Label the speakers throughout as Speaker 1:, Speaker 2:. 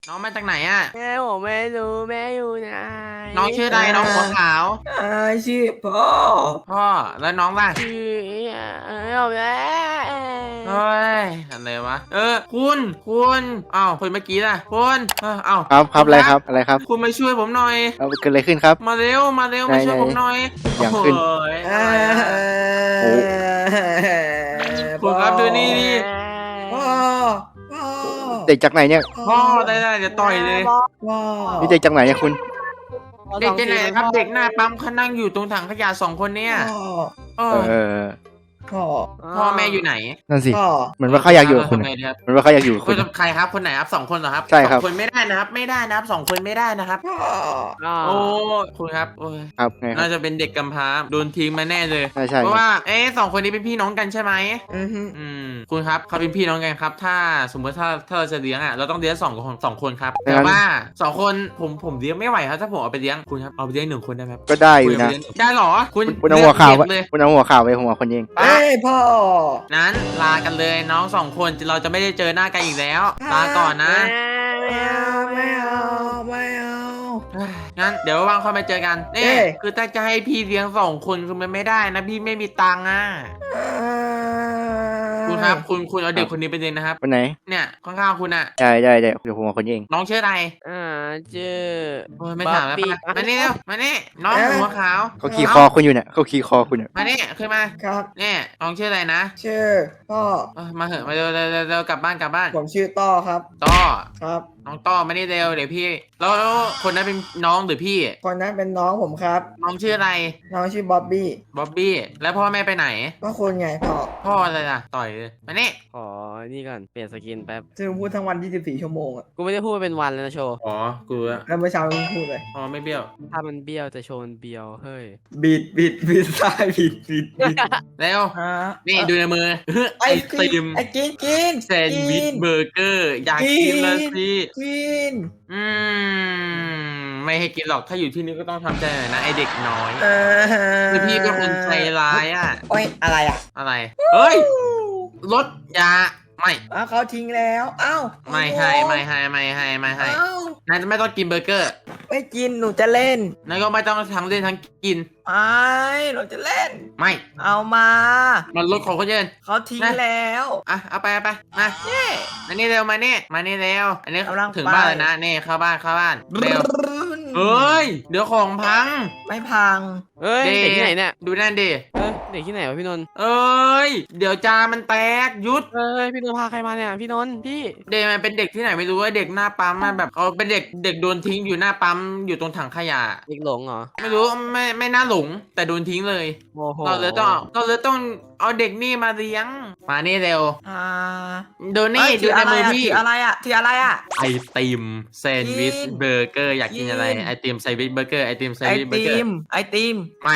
Speaker 1: น้องมาจากไหนอ่ะ
Speaker 2: แม่ผมไม่รู้แม่อยู่ไหน
Speaker 1: น้องชื่ออะไรน้องหัวขาว
Speaker 3: ชื่อพ่อ
Speaker 1: พ่อแล้วน้องล่ะ
Speaker 2: ชื่อผมแล้ว
Speaker 1: เฮ้ยอะไรวะคุณอ้าวคนเมื่อกี้ล่ะคุณอ้าว
Speaker 4: ครับอะไรครับ
Speaker 1: คุณมาช่วยผมหน่อย
Speaker 4: เกิดอะไรขึ้นครับ
Speaker 1: มาเร็วมาช่วยผมหน่อย
Speaker 4: อย่างขึ้น
Speaker 1: โอ้ยคุณครับดูนี่ดิ
Speaker 3: พ่อ
Speaker 4: เด็กจากไหนเนี่ย
Speaker 1: พ่อได้จะต่อยเลย
Speaker 3: พ่อ
Speaker 4: นี่เด็กจากไหนเนี่ยคุณ
Speaker 1: เด็กที่ไหนครับเด็กหน้าปั๊มเขานั่งอยู่ตรงถังขยะ2 คนเนี่ยพ่อแม่อยู่ไหน
Speaker 4: นั่นสิเหมือนว่าเขาอยากอยู่กับคุณเหมือนว่าเขาอยากอยู่กับคุณ
Speaker 1: ใครครับคนไหนครับ2 คนเหรอครับ
Speaker 4: ใช่ครับ
Speaker 1: 2 คนไม่ได้นะครับไม่ได้นะครับ2 คนไม่ได้นะครับโอ้คุณครับ
Speaker 4: ครับไง
Speaker 1: น่าจะเป็นเด็กกำพร้าโดนทิ้งมาแน่เลย
Speaker 4: ใช่
Speaker 1: เพราะว่า2 คนนี้เป็นพี่น้องกันใช่ไหมคุณครับเขาเป็นพี่น้องกันครับถ้าสมมติถ้าเราจะเลี้ยงอ่ะเราต้องเลี้ยง2 คนครับแต่ว่า2 คนผมเลี้ยงไม่ไหวครับถ้าผมเอาไปเลี้ยงคุณครับเอาไปเลี้ยง1 คนได้ไหม
Speaker 4: ก็ได้อยู่นะ
Speaker 1: ได้หรอ
Speaker 4: คุณเอาหัวข่าวคุณเอาหัวข่าวไปหัวคนเอง
Speaker 3: พ่อ
Speaker 1: นั้นลากันเลยน้อง2 คนเราจะไม่ได้เจอหน้ากันอีกแล้วลาก่อนนะ
Speaker 3: ไม่เอา
Speaker 1: งั้นเดี๋ยวว่างค่อยมาเจอกันนี่คือถ้าจะให้พี่เลี้ยง2 คนคือมันไม่ได้นะพี่ไม่มีตังค์อ่ะคุณครับคุณเอาเด็กคนนี้ไปเลี้ยงนะครับ
Speaker 4: คนไหน
Speaker 1: เนี่ยข้างๆคุณอ่ะ
Speaker 4: ได้เดี๋ยวผมเอาคนเอง
Speaker 1: น้องชื่ออะไร
Speaker 2: ชื่อ
Speaker 1: ไม่ถามแล้วมานี่เร็วมานี่น้องหัวขาว
Speaker 4: เขาขี่คอคุณอยู่เนี่ยเขาขี่คอคุณเนี่ย
Speaker 1: มานี่ขึ้นมา
Speaker 3: ครับ
Speaker 1: เนี่ยน้องชื่ออะไรนะ
Speaker 3: ชื่อพ่อ
Speaker 1: มาเหอะมาเร็วกลับบ้าน
Speaker 3: ผมชื่อต้อครับ
Speaker 1: ต้อ
Speaker 3: ครับ
Speaker 1: น้องต้อมานี่เร็วเดี๋ยวพี่แล้วคนนั้นเป็นน้องหรือพี่
Speaker 3: คนนั้นเป็นน้องผมครับ
Speaker 1: น้องชื่ออะไร
Speaker 3: น้องชื่อบ๊อบบี้
Speaker 1: แล้วพ่อแม่ไปไหน
Speaker 3: ก็คุณไง
Speaker 1: พ่ออะไรล่ะต่อยเลยมานี่
Speaker 2: นี่ก่อนเปลี่ยนสกินแป๊บ
Speaker 3: ซึ่งพูดทั้งวัน24 ชั่วโมงอ่ะ
Speaker 2: กูไม่ได้พูดเป็นวันเลยนะโชว์
Speaker 1: กู
Speaker 3: แล้วเมื่อเช้ามึงพูดเลย
Speaker 1: ไม่เบี้ยว
Speaker 2: ถ้ามันเบี้ยวแต่โชว์มันเบี้ยวเฮ้ย
Speaker 3: บิดซ้ายบิด
Speaker 1: แล้วนี่ดูในมือ
Speaker 3: ไอติมกิน
Speaker 1: แซนด์วิชเบอร์เกอร์อยากกินแล้วสิ
Speaker 3: กิน
Speaker 1: ไม่ให้กินหรอกถ้าอยู่ที่นี่ก็ต้องทำใจหน่อยนะไอเด็กน้อยคือพี่ก็คนใจร้ายอ่ะ
Speaker 3: โอ้ยอะไร
Speaker 1: เฮ้ยรถยาไม่
Speaker 3: เขาทิ้งแล้ว
Speaker 1: ไม่ให้นายไม่ต้องกินเบอร์เกอร์
Speaker 3: ไม่กินหนูจะเล่น
Speaker 1: นายก็ไม่ต้องทั้งเล่นทั้งกิน
Speaker 3: หนูจะเล่น
Speaker 1: ไม่
Speaker 3: เอามา
Speaker 1: มันรถของเขาเยิน
Speaker 3: เขาทิ้งแล้ว
Speaker 1: เอาไปมาอันนี้เร็วมานี่เร็วอันนี้ถึงบ้านแล้วนะนี่เข้าบ้านเร็วเฮ้ยเดี๋ยวของพัง
Speaker 3: ไม่พัง
Speaker 2: เด็กที่ไหนเนี่ย
Speaker 1: ดูนั่นดิ
Speaker 2: เด็กที่ไหนวะพี่นนท์
Speaker 1: เดี๋ยวจามันแตกยุด
Speaker 2: พี่นนท์พาใครมาเนี่ยพี่นนท์พี่
Speaker 1: เด็กมันเป็นเด็กที่ไหนไม่รู้ว่าเด็กหน้าปั๊มมันแบบเขาเป็นเด็กโดนทิ้งอยู่หน้าปั๊มอยู่ตรงถังขยะ
Speaker 2: เด็กหลงเหรอ
Speaker 1: ไม่รู้ไม่น่าหลงแต่โดนทิ้งเลยเราเลยต้องเอาเด็กนี่มาเลี้ยงมานี่เร็วดูนี่ดูในมือพี่
Speaker 3: ถืออะไร
Speaker 1: ไอติมแซนด์วิชเบอร์เกอร์อยากกินอะไรไอติมแซนด์วิชเบอร์เกอร์ไอติมแซนด์วิชเบอร์เกอร์
Speaker 3: ไอติม
Speaker 1: ไม่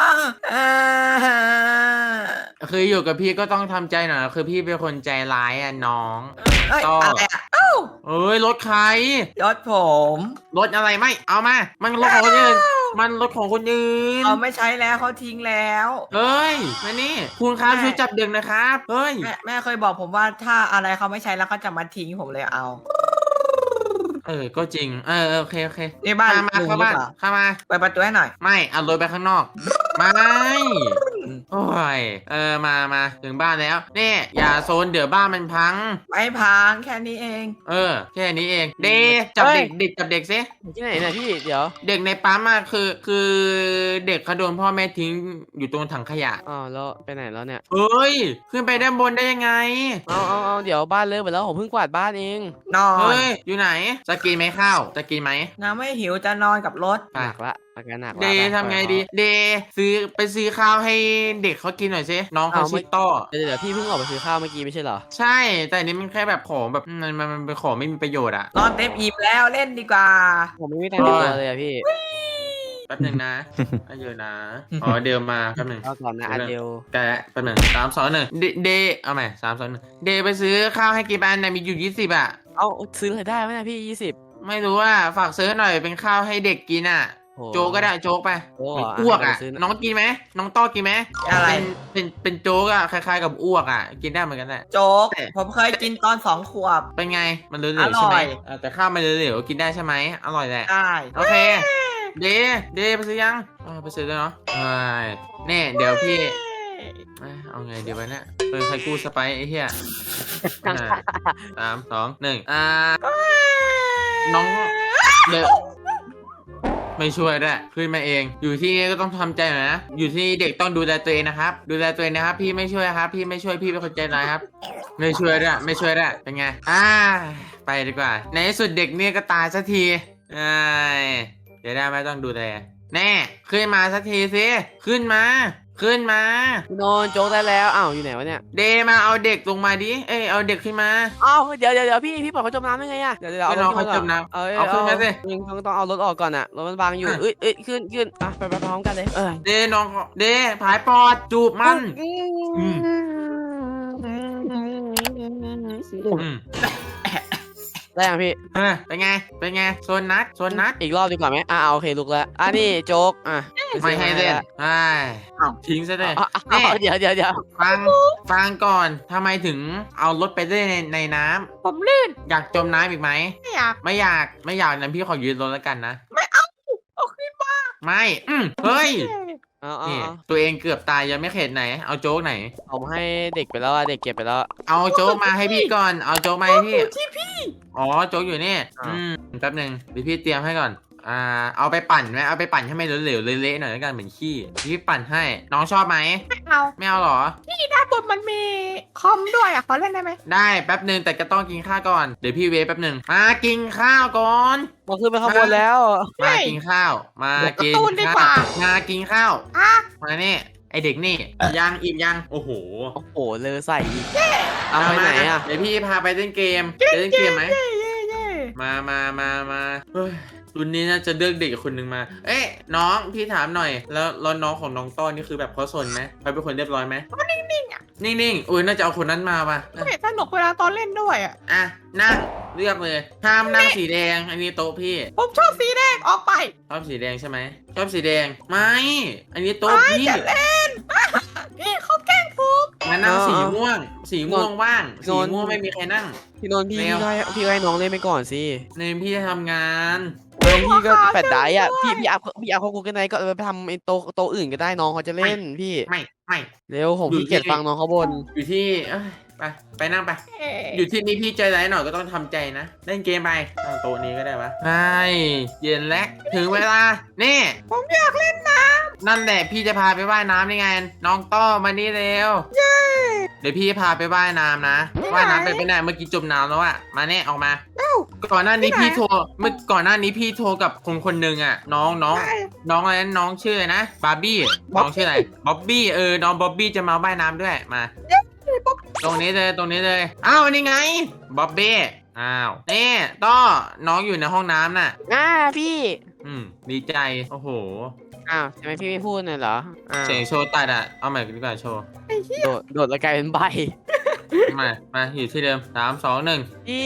Speaker 1: คืออยู่กับพี่ก็ต้องทำใจหน่อยคือพี่เป็นคนใจร้ายน้อง
Speaker 3: อะไร
Speaker 1: รถใคร
Speaker 3: รถผม
Speaker 1: รถอะไรไม่เอามามันรถของคนอื่นมันรถของคนอื่น
Speaker 3: ไม่ใช้แล้วเขาทิ้งแล้ว
Speaker 1: เฮ้ยมานี่คุณครับช่วยจับเด็กนะครับเฮ้ย
Speaker 3: แม่เคยบอกผมว่าถ้าอะไรเขาไม่ใช้แล้วเขาจะมาทิ้งผมเลยเอา
Speaker 1: ก็จริงโอเค
Speaker 3: นี่บ้าน
Speaker 1: มาเข้ามา
Speaker 3: ไปประตูให้หน่อย
Speaker 1: ไม่เอารถไปข้างนอกไม่โอ้ยมาถึงบ้านแล้วนี่อย่าโซนเดี๋ยวบ้านมันพัง
Speaker 3: ไม่พังแค่นี้เอง
Speaker 1: แค่นี้เองจับเด็กจับเด็กซิ
Speaker 2: ที่ไหนนะพี่เดี๋ยว
Speaker 1: เด็กในปั๊มคือเด็กเขาโดนพ่อแม่ทิ้งอยู่ตรงถังขยะ
Speaker 2: แล้วไปไหนแล้วเนี่ย
Speaker 1: ขึ้นไปด้านบนได้ยังไง
Speaker 2: เอาเดี๋ยวบ้านเลิกไปแล้วผมเพิ่งกวาดบ้านเอง
Speaker 3: นอน
Speaker 1: อยู่ไหนจะกินไหมข้าวจะกินไหม
Speaker 3: น้าไม่หิวจะนอนกับรถ
Speaker 2: หนักละอาการหนัก
Speaker 1: เดทำไงดีซื้อข้าวให้เด็กเขากินหน่อยสิน้องเขาชื่อต้อ
Speaker 2: เดี๋ยวพี่เพิ่งออกไปซื้อข้าวเมื่อกี้ไม่ใช่เหรอ
Speaker 1: ใช่แต่อันนี้มันแค่แบบของแบบมันเป็นของไม่มีประโยชน์
Speaker 3: นอนเต็มอิ่มแล้วเล่นดีกว่า
Speaker 2: ผมไม่มีตังค์เลยพี่
Speaker 1: แป๊บหนึ่งนะเยอะนะเดี๋ยวมาแป๊บหนึ่ง
Speaker 2: ก่อนนะเดี๋ยว
Speaker 1: แกแป๊บหนึ่ง3 2 1เอาใหม่3 2 1ไปซื้อข้าวให้กินอันมีอยู่20
Speaker 2: เอาซื้ออะไรได้ไหมนะพี่20
Speaker 1: ไม่รู้ว่าฝากซื้อหน่อยเป็นข้าวให้เด็กกิน
Speaker 2: โห
Speaker 1: โจ๊กก็ได้โจ๊กไป
Speaker 2: โอ้
Speaker 1: เหมือนอ้วกอ่ะ
Speaker 2: ซื้อ
Speaker 1: น้องกินไหมน้องต้อกินไหม
Speaker 3: อะไร
Speaker 1: เป็นโจ๊กอ่ะคล้ายๆกับอ้วกอ่ะกินได้เหมือนกันแหละ
Speaker 3: โจ๊กผมเคยกินตอน2 ขวบ
Speaker 1: เป็นไงมันเหลวๆใช่ไหม
Speaker 3: อร่อย
Speaker 1: แต่ข้าวมันเหลวๆกินได้ใช่ไหมอร่อยแหละ
Speaker 3: ได้
Speaker 1: โอเคเดไปซื้อยังไปซื้อแล้วเนาะเนี่ยเดี๋ยวพี่เอาไงเดี๋ยวไปเนี่ยใครกู้สไปซ์ไอ้เหี้ย3 2 1น้องเดี๋ยวไม่ช่วยด้วยขึ้นมาเองอยู่ที่นี่ก็ต้องทำใจหน่อยนะอยู่ที่นี่เด็กต้องดูแลตัวเองนะครับดูแลตัวเองนะครับพี่ไม่ช่วยครับพี่ไม่ช่วยพี่เป็นคนใจร้ายครับไม่ช่วยด้วยเป็นไงไปดีกว่าในที่สุดเด็กเนี่ยก็ตายสักทีเดี๋ยวได้ไม่ต้องดูแลแน่ขึ้นมาสักทีสิขึ้นมาพี่
Speaker 2: โนนโจ๊กได้แล้วอ้าวอยู่ไหนวะเนี่ย
Speaker 1: เดมาเอาเด็กลงมาดิเอาเด็กขึ้นมา
Speaker 2: อ้าวเดี๋ยวพี่ปล่อยเขาจมน้ำได้ไงอะเดี๋ยวเอา
Speaker 1: ไม่รอเขาจมน้ำ
Speaker 2: เอา
Speaker 1: ขึ้นมาสิ
Speaker 2: ต้องเอารถออกก่อนอะรถมันบังอยู่เอ้ยขึ้นอ่ะไปพร้อมกันเลย
Speaker 1: เดผายปอดจูบมัน
Speaker 2: ได้ยังพี่
Speaker 1: เป็นไงโซนนัด
Speaker 2: อีกรอบดีกว่าไหมโอเคลุกแล้วนี่โจ๊ก
Speaker 1: ไม่ให้เล่นทิ้งซะเลย
Speaker 2: เดี๋ยว
Speaker 1: ฟังก่อนทำไมถึงเอารถไปเล่นในน้ำ
Speaker 3: ผมลื่น
Speaker 1: อยากจมน้ำอีกไหม
Speaker 3: ไม่อยาก
Speaker 1: นั้นพี่ขอยืนรถแล้วกันนะ
Speaker 3: ไม่เอาขึ้นมา
Speaker 1: ไม่เฮ้ย
Speaker 2: นี่
Speaker 1: ตัวเองเกือบตายยังไม่เข็ดไหนเอาโจ๊กไหน
Speaker 2: ผมให้เด็กไปแล้วเด็กเก็บไปแล้ว
Speaker 1: เอาโจ๊กมาให้พี่ก่อนเอาโจ๊กมาให้พี่
Speaker 3: ที่พี่
Speaker 1: อ๋อโจ๊กอยู่นี่แป๊บนึงเดี๋ยวพี่เตรียมให้ก่อนเอาไปปั่นไหมเอาไปปั่นให้มันเหลวๆเละๆหน่อยแล้วกันเหมือนขี้พี่ปั่นให้น้องชอบไหมไม่เอาหรอ
Speaker 3: พี่ด้านบนมันมีคอมด้วยขอเล่นได้ไหม
Speaker 1: ได้แป๊บนึงแต่ก็ต้องกินข้าวก่อนเดี๋ยวพี่เวฟแป๊บนึงมากินข้าวก่อน
Speaker 2: มาขึ้นไปข้างบนแล้ว
Speaker 1: มากินข้าวมากินข้าวมากินข้าวมาเนี่ยไอเด็กนี่ยังอิ่มยังโอ้โห
Speaker 2: เลยใส่เอาไปไหน
Speaker 1: เดี๋ยวพี่พาไปเล่นเกมไหมมาเฮ้ยรุ่นนี้น่าจะเลือกเด็กคนหนึ่งมาน้องพี่ถามหน่อยแล้วน้องของน้องต้อนนี่คือแบบเขาสนไหมเขาเป็นคนเรียบร้อยไหม
Speaker 3: นิ่งๆอ่ะ
Speaker 1: นิ่งอุ้ยน่าจะเอาคนนั้นมาป่ะ
Speaker 3: สนุกเวลาตอนเล่นด้วย
Speaker 1: นั่งเลือกเลยห้ามนั่งสีแดงอันนี้โต๊ะพี่
Speaker 3: ผมชอบสีแดงออกไป
Speaker 1: ชอบสีแดงใช่ไหมชอบสีแดงไม่อันนี้โต๊ะพี่
Speaker 3: จะเล่นพี่เขาแกล้งผม
Speaker 1: มานั่งสีม่วงว่างสีม่วงไม่มีใครนั่ง
Speaker 2: พี่นนท์พี่ให้น้องเล่นไปก่อนสิ
Speaker 1: ในพี่จะทำงาน
Speaker 2: พี่ก็แปดได้อ่ะพี่อัพเขากูกันไหนก็ไปทำไอ้โตอื่นก็ได้น้องเขาจะเล่นพี่
Speaker 1: ไม่
Speaker 2: เร็วผมพี่เกียจฟังน้องเขาบ่น
Speaker 1: อยู่ที่ไปนั่งไปอยู่ที่นี่พี่ใจร้ายหน่อยก็ต้องทำใจนะเล่นเกมไปตั้งโต๊ะนี้ก็ได้ปะใช่เย็นแล้วถึงเวลานี่
Speaker 3: ผมอยากเล่นน้ำ
Speaker 1: นั่นแหละพี่จะพาไปว่ายน้ำนี่ไงน้องต้อมานี่เร็วเดี๋ยวพี่พาไปว่ายน้ำนะว่ายน้ำไปไหนเมื่อกี้จมน้ำแล้วอะมาเนี่ยออกมาก่อนหน้านี้พี่โทรกับคนหนึ่งอะน้องอะไรนั้นน้องชื่ออะไรนะบาร์บี้น้องชื่ออะไรบ๊อบบี้น้องบ๊อบบี้จะมาว่ายน้ำด้วยมาตรงนี้เลยอ้าวนี่ไงบ๊อบบี้อ้าวนี่ต้อน้องอยู่ในห้องน้ำน่ะ
Speaker 2: พี่
Speaker 1: ดีใจโอ้โห
Speaker 2: ทำไมพี่ไม่พูดเลยเหรอ
Speaker 1: เสียงโชว์ตัดเอาใหม่ดีกว่าโชว์
Speaker 2: โดดแล้วกลายเป็นใบ
Speaker 1: มาอยู่ที่เดิม3 2 1
Speaker 2: พี่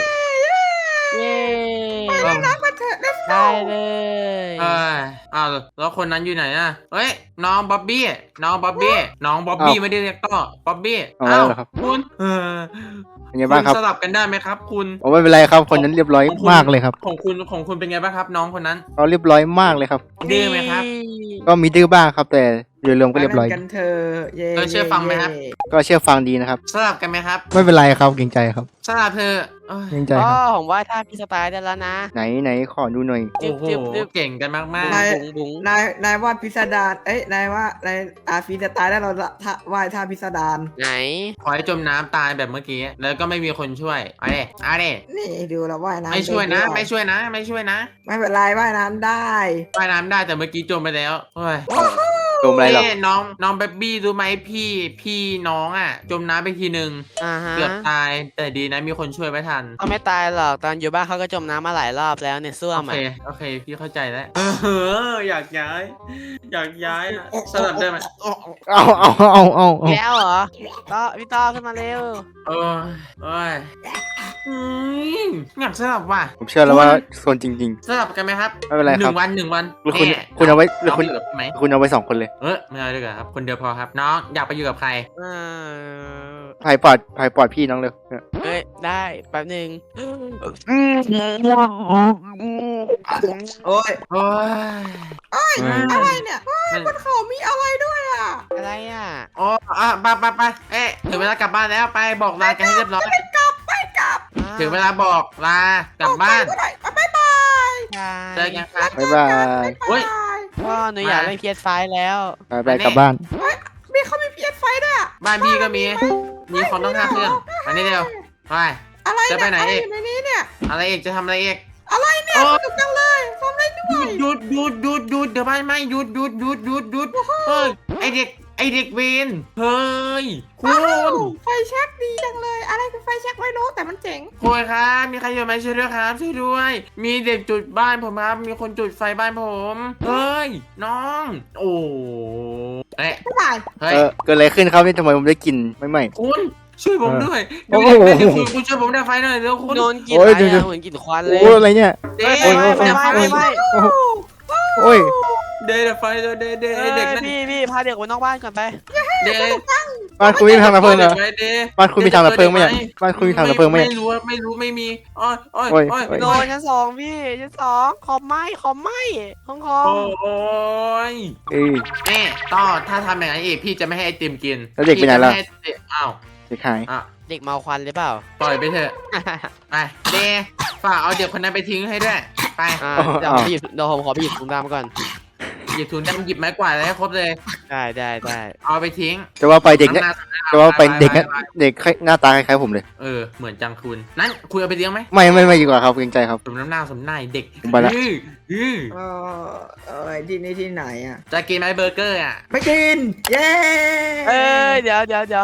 Speaker 3: ไปเล่นน้ำมาเถอะเล่น
Speaker 2: ได้เลย
Speaker 1: แล้วคนนั้นอยู่ไหนอ่ะเฮ้ยน้องบ๊อบบี้ไม่ได้เรียกต้อบ๊อบบี้คุณ
Speaker 4: เป็นไงบ้างครับ
Speaker 1: สลับกันได้ไหมครับคุณ
Speaker 4: ไม่เป็นไรครับคนนั้นเรียบร้อยมากเลยครับ
Speaker 1: ของคุณเป็นไงบ้างครับน้องคนนั้น
Speaker 4: เขาเรียบร้อยมากเลยครับ
Speaker 1: ดื้อไหมครับ
Speaker 4: ก็มีดื้อบ้างครับแต่โดยรวมก็เรียบร้อย
Speaker 3: กันเธอ
Speaker 1: เชื่อฟังไหมครับ
Speaker 4: ก็เชื่อฟังดีนะครับ
Speaker 1: สลับกันไหมครับ
Speaker 4: ไม่เป็นไรครับเกรงใจครับ
Speaker 1: สลับเธอ
Speaker 4: เกรงใจครับ
Speaker 2: ผมว่าถ้าพี่สไตล์ได้แล้วนะ
Speaker 4: ไหนขอดูหน่อย
Speaker 1: โอ้โหเก่งกันมาก
Speaker 3: นายว่าพิสดารนายว่าพี่สไตล์ได้เราว่าท่าพิสดาร
Speaker 2: ไหน
Speaker 1: ขอให้จมน้ำตายแบบเมื่อกี้แล้วก็ไม่มีคนช่วยเอาดิ
Speaker 3: นี่ดูแล้วว่ายน้ำ
Speaker 1: ไม่ช่วยนะไม่
Speaker 3: เป็นไรว่ายน้ำได้
Speaker 1: แต่เมื่อกี้จมไปแล้ว
Speaker 4: กจมอะไรหรอก
Speaker 1: น้องเบบี้รู้ไหมพี่น้องอ่ะ จมน้ำไปทีนึง
Speaker 2: ฮะ
Speaker 1: เกือบตายแต่ดีนะมีคนช่วยไว้ทัน
Speaker 2: เขาไม่ตายหรอกตอนอยู่บ้านเขาก็จมน้ำมาหลายรอบแล้วเนี่ยซ่วม
Speaker 1: โอเคพี่เข้าใจแล้วอยากย้ายอะสลับได้ไหม
Speaker 4: เอา
Speaker 2: แล้วเหรอต่อพี่ต่อขึ้นมาเร็ว
Speaker 1: เอออยากสลับว่ะ
Speaker 4: ผมเชื่อแล้วว่าโซนจริง
Speaker 1: สลับกันไหมครับ
Speaker 4: ๆไม่เป็นไร
Speaker 1: ห
Speaker 4: ค
Speaker 1: นึ่
Speaker 4: รับ
Speaker 1: งวัน
Speaker 4: คุณ
Speaker 1: แน่
Speaker 4: คุณเอาไว้หรือ
Speaker 1: น้อง
Speaker 4: คุณ
Speaker 1: อยู่กับพี่ไหม
Speaker 4: คุณเอาไว้2 คนเลย
Speaker 1: ไม่เอาดีกว่าครับคนเดียวพอครับน้องอยากไปอยู่กับใคร
Speaker 4: ภายปลอดพี่น้องเลย
Speaker 2: เฮ้ยได้แป๊บนึง
Speaker 3: โอ้ย
Speaker 1: โอ้ย
Speaker 3: อะไรเนี่ย
Speaker 1: มัน
Speaker 3: บนเขามีอะไรด้วยอ่ะ
Speaker 2: อะไรอ่ะ
Speaker 1: โอ้ไปเอ๊ะถึงเวลากลับบ้านแล้วไปบอกลากันให้เรียบร้อย
Speaker 3: ไม่กลับ
Speaker 1: ถึงเวลาบอกลากลับบ้าน
Speaker 3: ออกไปก็ได้บ๊ายบาย
Speaker 1: เจอกันครับ
Speaker 4: บ๊ายบาย
Speaker 1: เฮ้ย
Speaker 2: พ่อหนูอยากเล่น PS5 แล้ว
Speaker 4: ไปกลับบ้าน
Speaker 3: มีเขามีเพียไฟด้วยอะ
Speaker 1: บ้านพี่ก็มีของต้อง5 เครื่องมานี่เร็วไป
Speaker 3: อะไร
Speaker 1: จะไปไหน
Speaker 3: อะไร
Speaker 1: อีก
Speaker 3: อยู่ในนี้เนี่ย
Speaker 1: อะไรอีกจะทำอะไรอีก
Speaker 3: อะไรเนี่ย
Speaker 1: โอ้
Speaker 3: สนุกจังเลยทำอะไรด้วย
Speaker 1: หยุดเดี๋ยวไม่หยุดเฮ้ยไอเด็กเวนเฮ้ยคุ
Speaker 3: ว้าว
Speaker 1: ณ
Speaker 3: ไฟแช็กดีจังเลย อะไรคือไฟแช็กไม่รู้แต่มันเจ๋ง
Speaker 1: คุณครับมีใครอยู่ไหมช่วยด้วยครับช่วยด้วย มีเด็กจุดบ้านผมครับมีคนจุดไฟบ้านผมเฮ้ยน้องโอ้เอ๊ะ
Speaker 3: บ๊ายบาย
Speaker 1: เฮ้ย
Speaker 4: เกิดอะไรขึ้นครับนี่ทำไมผมได้กลินไม่
Speaker 1: คุณช่วยผมด้วย
Speaker 4: โอ้
Speaker 1: เดี๋ยว
Speaker 4: โห
Speaker 1: เดี๋ยวคุณช่วยผมดับไฟหน่อยเร็วคุณ
Speaker 2: โดนกลิ่น
Speaker 4: โอ้
Speaker 2: อะ
Speaker 4: ย
Speaker 2: ไร
Speaker 4: เดี๋ยว
Speaker 2: อะเหมือนกลิ่นควันเลย
Speaker 4: โอ้อะไรเนี่ย
Speaker 1: เด็ก
Speaker 2: เฮ้ย
Speaker 1: ดับไฟ
Speaker 2: ไม่
Speaker 4: โอ้ย
Speaker 1: เด็กดับไฟเด็ก
Speaker 2: เอ้
Speaker 1: เด็ก
Speaker 2: ย
Speaker 1: นั่น
Speaker 2: พี่พาเด็กไปนอกบ้านก่อนไป
Speaker 1: เด็ก
Speaker 4: บ้านคุณมีทางดับเพลิงเหรอ
Speaker 1: เด็ก
Speaker 4: บ้านคุณมีทางดับเพลิงไหมเนี่ยบ้านคุณมีทางดับเพลิงไหมเนี่ย
Speaker 1: ไม่รู้ไม่มีอ้อย
Speaker 4: โอ้ย
Speaker 2: โดนชั้น 2พี่ชั้น 2ขอบไหม้ห้องคอม
Speaker 1: โอ้ย
Speaker 4: เอ้ย
Speaker 1: แม่ต่อถ้าทำอย่างนั้นอีกพี่จะไม่ให้ไอติมกิน
Speaker 4: แล้วเด็กไปไหนล่ะ
Speaker 1: พี่จม่ให้เด็กอ้าว
Speaker 4: เด็กหาย
Speaker 1: อ่ะ
Speaker 2: เด็กเมาควันหรือเปล่า
Speaker 1: ปล่อยไปเถอะไปเดฝากเอาเด็กคนนั้นไปทิ้งให้ด้วยไป
Speaker 2: เดี๋ยวผมขอไปหยิบถุงดำก่อน
Speaker 1: หยิบถุงดำหยิบไม้กวาดอะไรให้ครบเลย
Speaker 2: ได้
Speaker 1: เอาไปทิ้ง
Speaker 4: จะว่าไปเด็กเนี่ย
Speaker 1: น้ำหน้า
Speaker 4: จะว่าไปเด็กเนี่ยเด็กหน้าตาคล้ายๆผมเลย
Speaker 1: เหมือนจังคุณนั้นคุณเอาไปเลี้ยงไหม
Speaker 4: ไม่ดีกว่าครับเกรงใจครับ
Speaker 1: สมน้ำหน้าสมหน้าเด็ก
Speaker 4: ผมไปละ
Speaker 1: อื้อ
Speaker 3: ที่นี่ที่ไหนอ่ะ
Speaker 1: จะกินไหมเบอร์เกอร์อ่ะ
Speaker 3: ไม่กิน เย้
Speaker 2: เอ้ยเดี๋ยว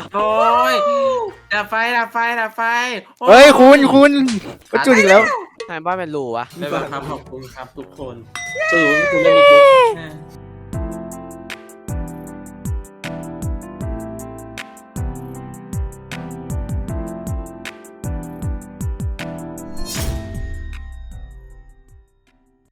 Speaker 1: โอ้ยดับไฟโอ้
Speaker 4: เฮ้ยคุณก็จุดอีกแล้ว
Speaker 2: ทำไมบ้านเป็นรูวะ
Speaker 1: ได้ป่ะครับขอบคุณครับทุกคนสรุปคุณเล่นดี